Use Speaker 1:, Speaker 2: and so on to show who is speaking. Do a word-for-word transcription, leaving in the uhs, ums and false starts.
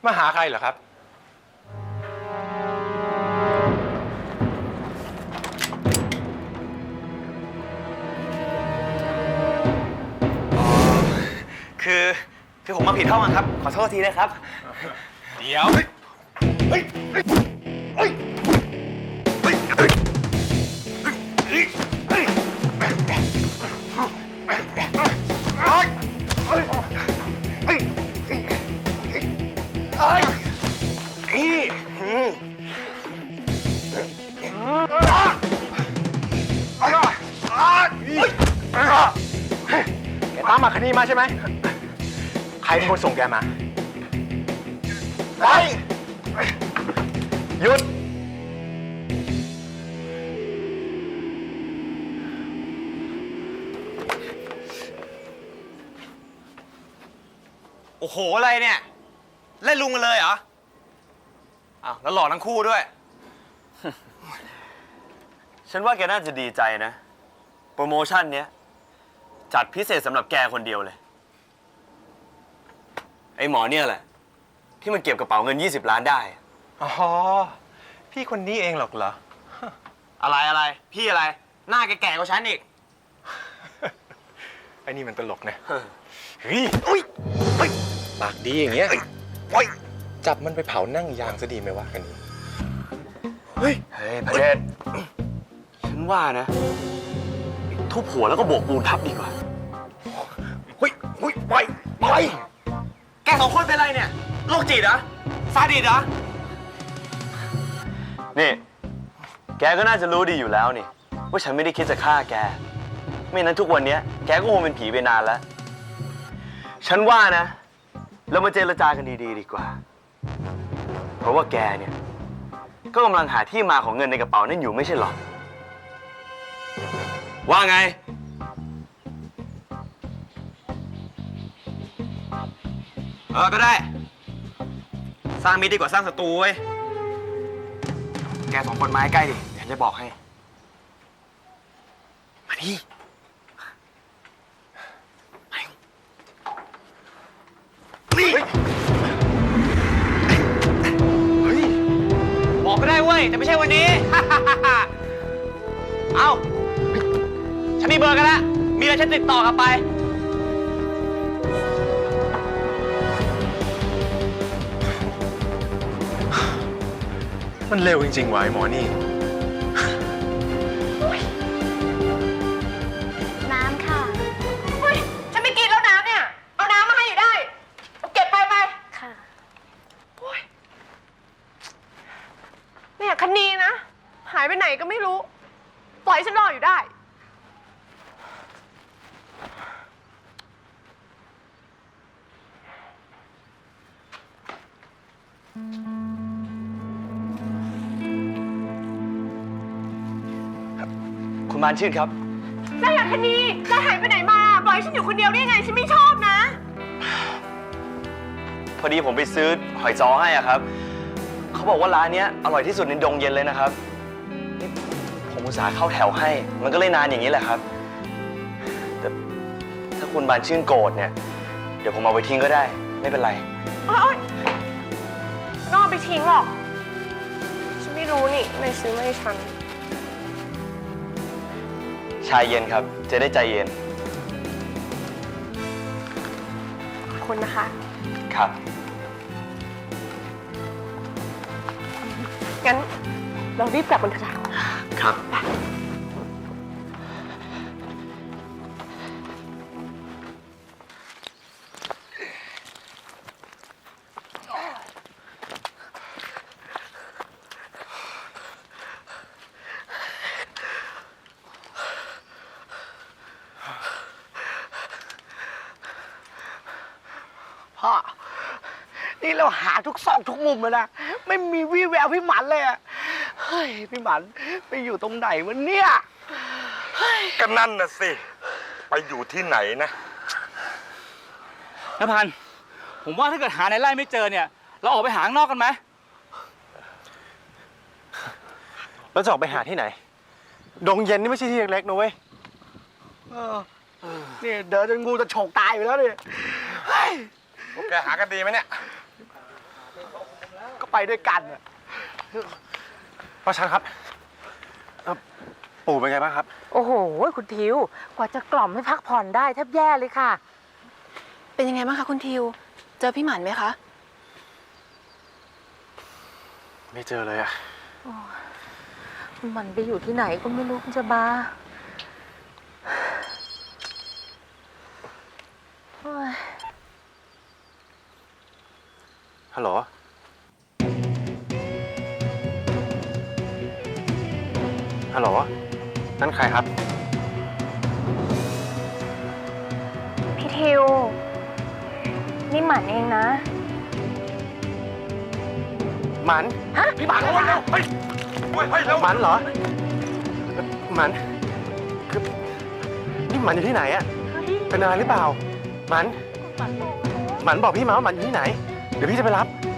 Speaker 1: มาหาใครเหรอครับ
Speaker 2: คือคือผมมาผิดห้องครับขอโทษทีนะครับ
Speaker 1: เดี๋ยวเฮ้ยเฮ้ยเฮ้ยเฮ้ยเฮ้ยเฮ้ยเฮ้ยแกตามมาคดีมาใช่ไหมใครเป็นคนส่งแกมาไปหยุด
Speaker 2: โอ้โหอะไรเนี่ยเล่นลุงกันเลยเหรออ้าวแล้วหล่อทั้งคู่ด้วย
Speaker 3: ฉันว่าแกน่าจะดีใจนะโปรโมชั่นเนี้ยจัดพิเศษสำหรับแกคนเดียวเลยไอ้หมอเนี่ยแหละที่มันเก็บกระเป๋าเงินยี่สิบล้านได้
Speaker 1: อ๋อพี่คนนี้เองหรอกเหรอ
Speaker 2: อะไรอะไรพี่อะไรหน้าแก่ๆกว่าฉันอีก
Speaker 1: ไอ้นี่มันตลกนะเฮ้ยอุ้ยเฮ้ยปากดีอย่างเงี้ยโอ้ยจับมันไปเผานั่งยางซะดีไหมวะกันนี้
Speaker 3: เฮ้ยเฮ้ยพระเดชฉันว่านะทุบหัวแล้วก็โบกปูนทับดีกว่า
Speaker 1: เฮ้ยเฮ้ยไปไป
Speaker 2: แกสองคนเป็นไรเนี่ยโรคจิตเหรอซาดิสเหรอ
Speaker 3: นี่แกก็น่าจะรู้ดีอยู่แล้วนี่ว่าฉันไม่ได้คิดจะฆ่าแกไม่นั้นทุกวันนี้แกก็คงเป็นผีไปนานแล้วฉันว่านะเรามาเจรจากันดีๆดีกว่าเพราะว่าแกเนี่ยก็กำลังหาที่มาของเงินในกระเป๋านั่นอยู่ไม่ใช่หรอว่าไง
Speaker 2: เออก็ได้สร้างมิตรดีกว่าสร้างศัตรูเว้ยแกสองคนมาใกล้ดิเดี๋ยวจะบอกให้มาดิบอกก็ได้เว้ยแต่ไม่ใช่วันนี้ เอาฉันมีเบอร์กันแล้วมีอะไรฉันติดต่อกลับไป
Speaker 1: มันเร็วจริงๆวะไอ้หมอนี่
Speaker 4: น้ำค่ะเฮ้ยฉันไม่กินแล้วน้ำเนี่ยเอาน้ำมาให้อยู่ได้เก็บไปไปค่ะโอ้ยเนี่ยคันนี้นะหายไปไหนก็ไม่รู้ปล่อยฉันรออยู่ได้
Speaker 3: คุณมานชื่นครับ
Speaker 4: นายอยากคันนี้นายหายไปไหนมาปล่อยฉันอยู่คนเดียวได้ไงฉันไม่ชอบนะ
Speaker 3: พอดีผมไปซื้อหอยจ้อให้อ่ะครับเขาบอกว่าร้านนี้อร่อยที่สุดในดงเย็นเลยนะครับนี่ผมอุตส่าห์เข้าแถวให้มันก็เลยนานอย่างนี้แหละครับแต่ถ้าคุณบานชื่นโกรธเนี่ยเดี๋ยวผมเอาไปทิ้งก็ได้ไม่เป็นไร
Speaker 4: โอ๊ยนอกไปทิ้งหรอกฉันไม่รู้นี่นายซื้อมาให้ฉัน
Speaker 3: ชายเย็นครับจะได้ใจเย็น
Speaker 4: ขอบคุณนะคะ
Speaker 3: ครับ
Speaker 4: งั้นเรารีบกลับกันเถอะ
Speaker 3: ครับ
Speaker 5: พ่อนี่เราหาทุกซอกทุกมุมเลยนะไม่มีวี่แววพี่หมันเลยอะเฮ้ยพี่หมันไปอยู่ตรงไหนวะเนี่ย
Speaker 6: ก็นั่นน่ะสิไปอยู่ที่ไหนนะ
Speaker 7: นภันผมว่าถ้าเกิดหาในไร่ไม่เจอเนี่ยเราออกไปหาข้างนอกกันไหม
Speaker 1: เราจะออกไปหาที่ไหนดงเย็นนี่ไม่ใช่ที่เล็กๆนะเว้ย
Speaker 5: นี่เดินจนงูจะฉกตายอยู่แล้วเนี่ย
Speaker 6: พวกแกหากันดีไหมเนี่ย
Speaker 5: ไปด้วยกันอะ
Speaker 1: ป้าชันครับเอ่อปู่เป็นไงบ้างครับ
Speaker 8: โอ้โห คุณทิว กว่าจะกล่อมให้พักผ่อนได้แทบแย่เลยค่ะ
Speaker 4: เป็นยังไงบ้างคะคุณทิว เจอพี่หมันไหมคะ
Speaker 1: ไม่เจอเลยอะ
Speaker 8: มันไปอยู่ที่ไหนก็ไม่รู้คุณจะบาโอ้ย
Speaker 1: ฮัลโหล ฮัลโหล นั่นใครครับ
Speaker 4: พี่ทิว นี่หมันเองนะ
Speaker 1: หมัน
Speaker 5: พี่หมันระวังนะ
Speaker 6: เฮ้ยเฮ้ยเฮ้ยเร็ว
Speaker 1: หมันเหรอเอ่อหมัน คือ นี่หมันอยู่ที่ไหนอะเป็นอะไรหรือเปล่า หมัน หมันบอกพี่มาว่าหมันอยู่ที่ไหน เดี๋ยวพี่จะไปรับ